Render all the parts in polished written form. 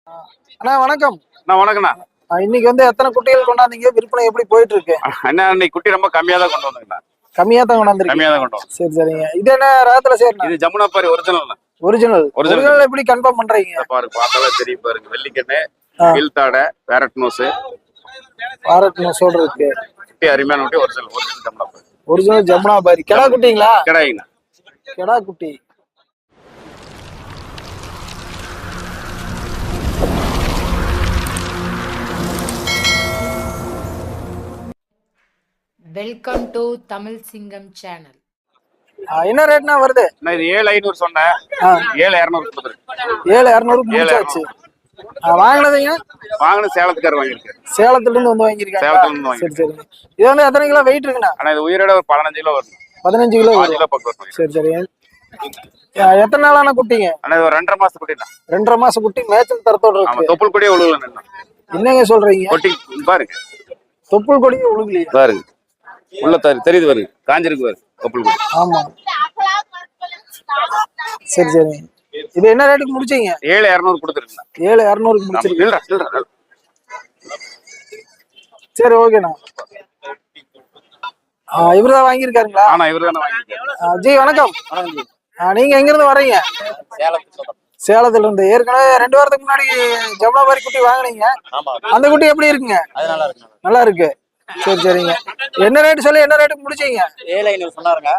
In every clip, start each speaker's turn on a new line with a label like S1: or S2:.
S1: அண்ணா வணக்கம்.
S2: வணக்கண்ணா.
S1: இன்னைக்கு எத்தனை குட்டிகள் கொண்டாந்தீங்க? விற்பனை எப்படி போயிட்டு இருக்கு?
S2: அண்ணா இன்னைக்கு குட்டி ரொம்ப கம்மியா தான் கொண்டு வந்தேங்கண்ணா.
S1: கம்மியா தான் கொண்டாந்துருக்கீங்க.
S2: கம்மியா தான் கொண்டு வந்தோம்.
S1: சரி சரிங்க. இது என்ன ரகத்துல சேர்னா?
S2: இது ஜமுனாபாரி ஒரிஜினல்.
S1: ஒரிஜினல் எப்படி கன்ஃபார்ம் பண்றீங்க?
S2: பாருங்க, பார்த்தாலே தெரியும் பாருங்க. வெள்ளிக்கண்ணு, கீழ்த்தாடை, பேரட் நோஸ்.
S1: பேரட் நோஸோட இருக்கு.
S2: குட்டி அருமையான குட்டி. ஒரிஜினல் ஜமுனாபாரி.
S1: ஒரிஜினல் ஜமுனாபாரி. கெடா குட்டிங்களா?
S2: கெடாயிங்கண்ணா.
S1: கெடா குட்டி.
S3: வெல்கம் டு தமிழ் சிங்கம் சேனல்.
S1: என்ன ரேட்னா வருது?
S2: நான் இது 7500 சொன்னேன். 7200 கொடுத்துருக்கு.
S1: 7200 முடிச்சாச்சு. வாங்குனதுங்க?
S2: வாங்குனது சேலத்துக்காரர் வாங்கியிருக்காரு.
S1: சேலத்துல இருந்து வாங்கியிருக்காங்க.
S2: சேலத்துல இருந்து வாங்கி.
S1: சரி சரி. இது எத்தனை கிலோ வெயிட் இருக்குண்ணா?
S2: ஆனா இது உயிரோட ஒரு 15 கிலோ வரும்.
S1: 15 கிலோ.
S2: 5 கிலோ பக்கம் வரும்.
S1: சரி சரி. எத்தனை நாளான குட்டிங்க?
S2: ஆனா இது ஒரு 2.5 மாசம் குட்டி தான்.
S1: 2.5 மாசம் குட்டி மேய்ச்சல் தரத்தோட இருக்கு.
S2: ஆமா, தொப்புள் கொடியே உழுகல.
S1: என்னங்க சொல்றீங்க?
S2: கொட்டி பாருங்க.
S1: தொப்புள் கொடியே உழுகலையா?
S2: பாருங்க. உள்ள தெரியுது பாருங்க. காஞ்சிருக்கு பாருங்க தொப்புள் கொடி.
S1: ஆமா. சரி சரி. இது என்ன ரேட்டுக்கு முடிச்சீங்க?
S2: 7200 கொடுத்துருக்கீங்க.
S1: 7200 முடிச்சிருக்கீங்க. சரி ஓகேண்ணா. இவர்தான் வாங்கியிருக்காருங்களா?
S2: ஆனா இவர்தான் வாங்கியிருக்காரு.
S1: ஜி வணக்கம். நீங்க எங்க இருந்து வர்றீங்க? சேலத்துல இருந்து. ஏற்கனவே 2 வாரத்துக்கு முன்னாடி ஜமுனாபாரி குட்டி வாங்கினீங்க. அந்த குட்டி எப்படி இருக்குங்க? நல்லா இருக்கு. சரி சரிங்க. என்ன ரேட் சொல்லி என்ன ரேட்டுக்கு முடிச்சீங்க?
S4: 7500 சொன்னாருங்க.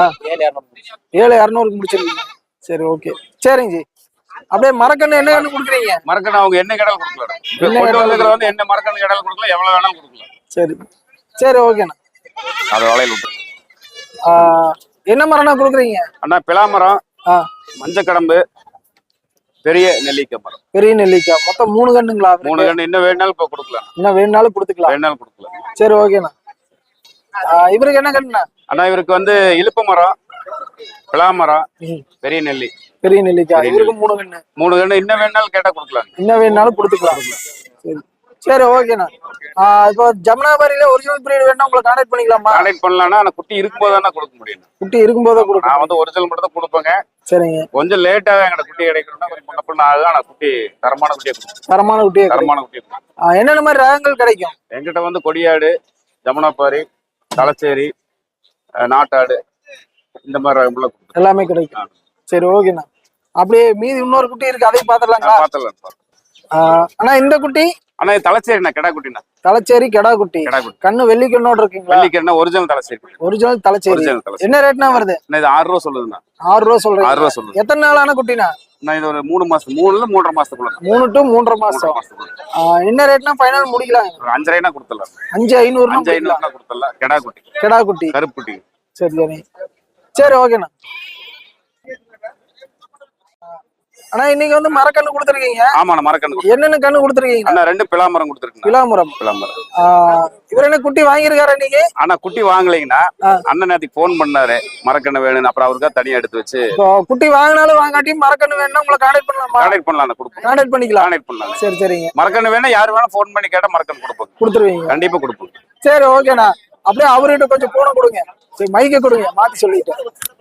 S1: 7200 முடிச்சிருக்கீங்க. சரி ஓகே. சரிங்க ஜி. அப்படியே மரக்கண்ணு என்ன கண்ணு கொடுக்குறீங்க?
S2: மரக்கண்ணு அவங்க என்ன கடல் கொடுக்கலாம். என்ன மரக்கண்ணு கடல் கொடுக்கலாம். எவ்வளவு வேணாலும் கொடுக்கலாம்.
S1: சரி சரி ஓகேண்ணா.
S2: அது வளையல் விட்டு.
S1: என்ன மரம்னா கொடுக்குறீங்க?
S2: அண்ணா பிளாமரம், மஞ்சக்கடம்பு, பெரிய நெல்லிக்காய் மரம்.
S1: பெரிய நெல்லிக்காய். மொத்தம் 3 கண்ணுங்களா?
S2: 3 கண்ணு. இன்னும் வேணாலும் இப்ப கொடுக்கலாம்.
S1: இன்னும் வேணாலும் கொடுத்துக்கலாம். சரி ஓகேண்ணா. இவருக்கு என்ன கண்ணுண்ணா?
S2: அண்ணா இவருக்கு இலுப்ப மரம், பிளாமரம், பெரிய நெல்லி.
S1: பெரிய நெல்லிக்காய். இவருக்கு 3 கண்ணு.
S2: 3 கண்ணு. இன்னும் வேணாலும் கேட்டா கொடுக்கலாம்.
S1: இன்னும் வேணாலும் கொடுத்துக்கலாம். சரி சரி ஓகேண்ணா. இப்போ ஜமுனாபாரியில ஒரிஜினல் பிரீடு வேணா உங்களை கான்டாக்ட் பண்ணிக்கலாமா?
S2: கான்டாக்ட் பண்ணலாம்னா ஆனா குட்டி இருக்கும்போது கொடுக்க முடியும்.
S1: குட்டி இருக்கும்போது கொடுக்க.
S2: நான் ஒரிஜினல் மட்டும் தான் கொடுப்பேங்க.
S1: சரிங்க.
S2: கொஞ்சம் லேட்டாக எங்கட குட்டி கிடைக்கணும்னா கொஞ்சம் முன்ன பின்ன ஆகுது. ஆனா குட்டி தரமான குட்டியை
S1: தரமான குட்டியை. என்னென்ன மாதிரி ரகங்கள் கிடைக்கும்
S2: என்கிட்ட? கொடியாடு, ஜமுனாபாரி, தலைச்சேரி, நாட்டாடு, இந்த மாதிரி ரகம்ல
S1: எல்லாமே கிடைக்கும். சரி ஓகேண்ணா. அப்படியே மீதி இன்னொரு குட்டி இருக்கு, அதையும் பாத்துடலாங்களா?
S2: பாத்துடலாம்.
S1: ஆனா இந்த குட்டி
S2: ஆனா தலைச்சேரிண்ணா, கெடா குட்டிண்ணா.
S1: தலைச்சேரி கெடா குட்டி. கண்ணு வெள்ளிக்கண்ணோட இருக்குங்களா?
S2: வெள்ளிக்கண்ணா ஒரிஜினல் தலைச்சேரி.
S1: ஒரிஜினல் தலைச்சேரி. என்ன ரேட்னா வருது?
S2: இது 6 ரூபா சொல்லுதுண்ணா.
S1: 6 ரூபா சொல்றீங்க?
S2: 6 ரூபா சொல்லுது.
S1: எத்தனை நாளான குட்டினா?
S2: நான் இது ஒரு 3 மாசம், 3 3.5 மாசத்துக்குள்ள.
S1: 3 to 3.5 மாசம். என்ன ரேட்னா ஃபைனல் முடிக்கலாம்?
S2: 5,500 கொடுத்துடலாம்.
S1: 5,500
S2: கொடுத்துடலாம். கெடா குட்டி.
S1: கெடா குட்டி.
S2: கருப்பு குட்டி.
S1: சரி சரி. சரி ஓகேண்ணா. ஆனா இன்னைக்கு மரக்கண்ணு கொடுத்துருக்கீங்க.
S2: ஆமா, மரக்கண்ணு.
S1: என்னென்ன கண்ணு கொடுத்துருக்கீங்க?
S2: அண்ணா 2 பிளாமரம் கொடுத்துருக்கீங்க.
S1: பிளாமரம். இவர் என்ன குட்டி வாங்கியிருக்காரு இன்னைக்கு?
S2: ஆனா குட்டி வாங்கலைங்கண்ணா. அண்ணன் நேற்றுக்கு போன் பண்ணாரு மரக்கண்ணு வேணும்னு. அப்புறம் அவருக்கா தனியா எடுத்து வச்சு
S1: குட்டி வாங்கினாலும் வாங்காட்டியும் மரக்கண்ணு வேணும்னா உங்களை கான்டாக்ட் பண்ணலாமா?
S2: கான்டாக்ட் பண்ணலாம்.
S1: கான்டாக்ட் பண்ணிக்கலாம்.
S2: கான்டாக்ட் பண்ணலாம்.
S1: சரி சரிங்க.
S2: மரக்கண்ணு வேணா யாரு வேணா போன் பண்ணி கேட்டா மரக்கண்ணு
S1: கொடுத்துருவீங்க?
S2: கண்டிப்பா கொடுப்போம்.
S1: சரி ஓகேண்ணா. அப்படியே அவர்கிட்ட கொஞ்சம் போன கொடுங்க. சரி மைக்க கொடுங்க, மாத்தி சொல்லிட்டேன்.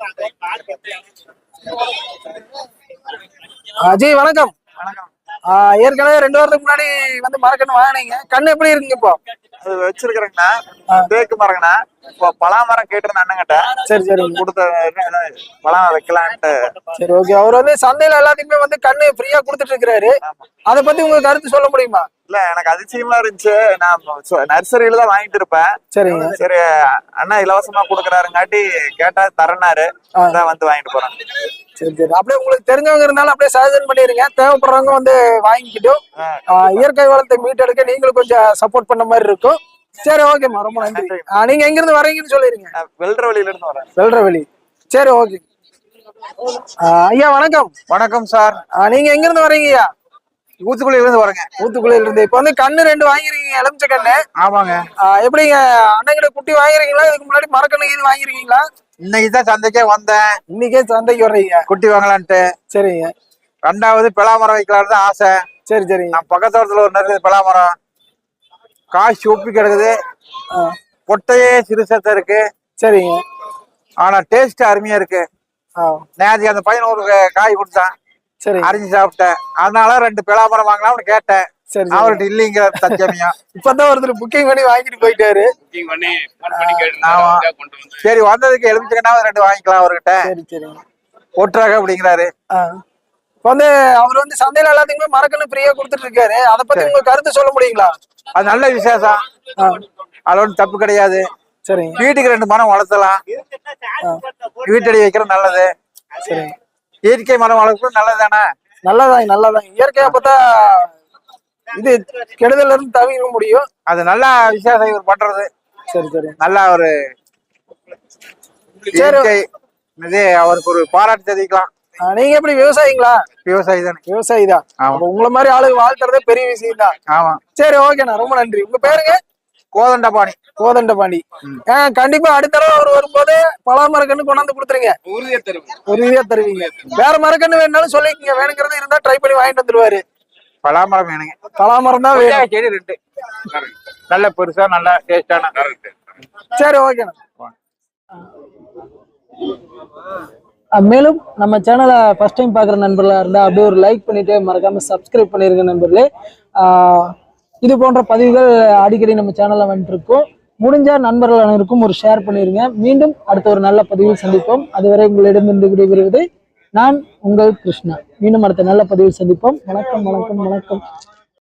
S1: ஜி வணக்கம். ஏற்கனவே 2 வாரத்துக்கு முன்னாடி மரக்கண்ணு வாங்கினீங்க. கண்ணு எப்படி இருக்குங்க இப்போ?
S4: அது வச்சிருக்கிறேங்கண்ணா. தேக்கு மரங்கண்ணா. இப்போ பலாமரம் கேட்டிருந்த அண்ணங்கிட்ட.
S1: சரி சரி.
S4: கொடுத்த பழம் வைக்கலான்ட்டு.
S1: சரி ஓகே. அவர் சந்தையில எல்லாத்துக்குமே கண்ணு ஃப்ரீயா கொடுத்துட்டு இருக்கிறாரு. அதை பத்தி உங்களுக்கு கருத்து சொல்ல முடியுமா?
S4: இல்ல, எனக்கு அதிசயமா இருந்துச்சு. நான் நர்சரியில தான் வாங்கிட்டு இருப்பேன்.
S1: சரிங்க.
S4: சரி அண்ணா இலவசமா கொடுக்குறாருங்காட்டி கேட்டா தரனாரு. அதான் வாங்கிட்டு போறேன்.
S1: சரி சரி. அப்படியே உங்களுக்கு தெரிஞ்சவங்க இருந்தாலும் அப்படியே சஜஷன் பண்ணிருங்க. தேவைப்படுறவங்க வாங்கிக்கிட்டும் இயற்கை வளத்தை மீட்டெடுக்க நீங்களும் கொஞ்சம் சப்போர்ட் பண்ண மாதிரி இருக்கும். சரி ஓகேம்மா, ரொம்ப நன்றி. நீங்க எங்க இருந்து வரீங்கன்னு சொல்லிருங்க.
S4: வெல்றவெளியில இருந்து வரேன்.
S1: வெல்றவெளி. சரி ஓகே. ஐயா வணக்கம்.
S4: வணக்கம் சார்.
S1: நீங்க எங்க இருந்து வரீங்கய்யா?
S4: ஊத்துக்குழியில இருந்து வரேங்க.
S1: ஊத்துக்குழியில இருந்து. இப்ப கண்ணு 2 வாங்கிருக்கீங்க, எலுமிச்சை கண்ணு.
S4: ஆமாங்க.
S1: எப்படிங்க அண்ணங்கிட்ட குட்டி வாங்கிருக்கீங்களா? இதுக்கு முன்னாடி மரக்கண்ணு இது வாங்கிருக்கீங்களா?
S4: இன்னைக்குதான் சந்தைக்கே வந்தேன்.
S1: இன்னைக்கே சந்தைக்கு வர்றீங்க
S4: குட்டி வாங்கலான்ட்டு.
S1: சரிங்க.
S4: 2வது பிளாமரம் வைக்கலான்னு ஆசை.
S1: சரி சரி.
S4: நான் பக்கத்தோட்டத்துல ஒரு நிறைய பிளாமரம் காய்ச்சி ஒப்பி கிடக்குது. பொட்டையே சிறுசத்தை இருக்கு.
S1: சரிங்க.
S4: ஆனா டேஸ்ட் அருமையா இருக்கு. நேற்று அந்த பையன் ஒரு காய் கொடுத்தான்.
S1: சரி
S4: அரிஞ்சு சாப்பிட்டேன். அதனால 2 பலாமரம் வாங்கலாம்னு கேட்டேன்.
S1: சரி
S4: அவர்கிட்ட இல்லைங்கிற தச்சமியம்.
S1: இப்பதான் ஒருத்தர் புக்கிங் பண்ணி வாங்கிட்டு போயிட்டாரு.
S2: புக்கிங் பண்ணி ஃபோன் பண்ணி
S4: ஆமா.
S2: கேட்டு கொண்டு வந்து
S4: சரி வந்ததுக்கு எலுமிச்சக்கனாவது 2 வாங்கிக்கலாம் அவர்கிட்ட.
S1: சரி சரி.
S4: ஒட்டுறாங்க அப்படிங்கிறாரு.
S1: இப்ப வந்து அவர் வந்து சந்தையில எல்லாத்துக்குமே மரக்கன்று ஃப்ரீயா கொடுத்துட்டு இருக்காரு. அதை பத்தி உங்க கருத்து சொல்ல முடியுங்களா?
S4: அது நல்ல விசேஷம். அதுல ஒன்றும் தப்பு கிடையாது.
S1: சரிங்க.
S4: வீட்டுக்கு 2 மரம் வளர்த்தலாம். வீட்டடி வைக்கிறது நல்லது.
S1: சரி.
S4: இயற்கை மரம் வளர்க்கறது நல்லது தானே.
S1: நல்லதான் நல்லதான். இயற்கையா பார்த்தா இது கெடுதல இருந்து தவிர்க்க முடியும்.
S4: அது நல்ல விசேஷம் இவர் பண்றது.
S1: சரி சரி.
S4: நல்ல ஒரு இயற்கை இது அவருக்கு ஒரு பாராட்டு தெரிவிக்கலாம்.
S1: நீங்க எப்படி விவசாயிங்களா?
S4: விவசாயி தானே.
S1: விவசாயி தான். உங்களை மாதிரி ஆளுங்க வாழ்த்துறதே பெரிய விஷயம் தான்.
S4: ஆமா.
S1: சரி ஓகேண்ணா, ரொம்ப நன்றி. உங்க பேருங்க?
S4: கோதண்டபாணி.
S1: கோதண்டபாணி. கண்டிப்பா அடுத்த தடவை அவர் வரும்போது பலா மரக்கன்று கொண்டாந்து கொடுத்துருங்க. உறுதியா தருவீங்க. வேற மரக்கன்று வேணாலும் சொல்லிக்கங்க, வேணுங்கிறது இருந்தா ட்ரை பண்ணி வாங்கிட்டு வந்துருவாரு.
S4: பலாமரம் வேணுங்க.
S1: பலாமரம் தான் வேணும்.
S4: செடி 2 நல்ல பெருசா நல்ல டேஸ்டான.
S1: சரி ஓகேண்ணா. மேலும் நம்ம சேனலை ஃபர்ஸ்ட் டைம் பார்க்குற நண்பர்களாக இருந்தால் அப்படியே ஒரு லைக் பண்ணிட்டு மறக்காம சப்ஸ்கிரைப் பண்ணிருங்க நண்பர்களே. இது போன்ற பதிவுகள் அடிக்கடி நம்ம சேனல்ல வந்துட்டு இருக்கோம். முடிஞ்ச நண்பர்கள் அனைவருக்கும் ஒரு ஷேர் பண்ணிருங்க. மீண்டும் அடுத்த ஒரு நல்ல பதிவில் சந்திப்போம். அதுவரை உங்களிடமிருந்து விடைபெறுவது நான் உங்கள் கிருஷ்ணா. மீண்டும் அடுத்த நல்ல பதிவில் சந்திப்போம். வணக்கம் வணக்கம் வணக்கம்.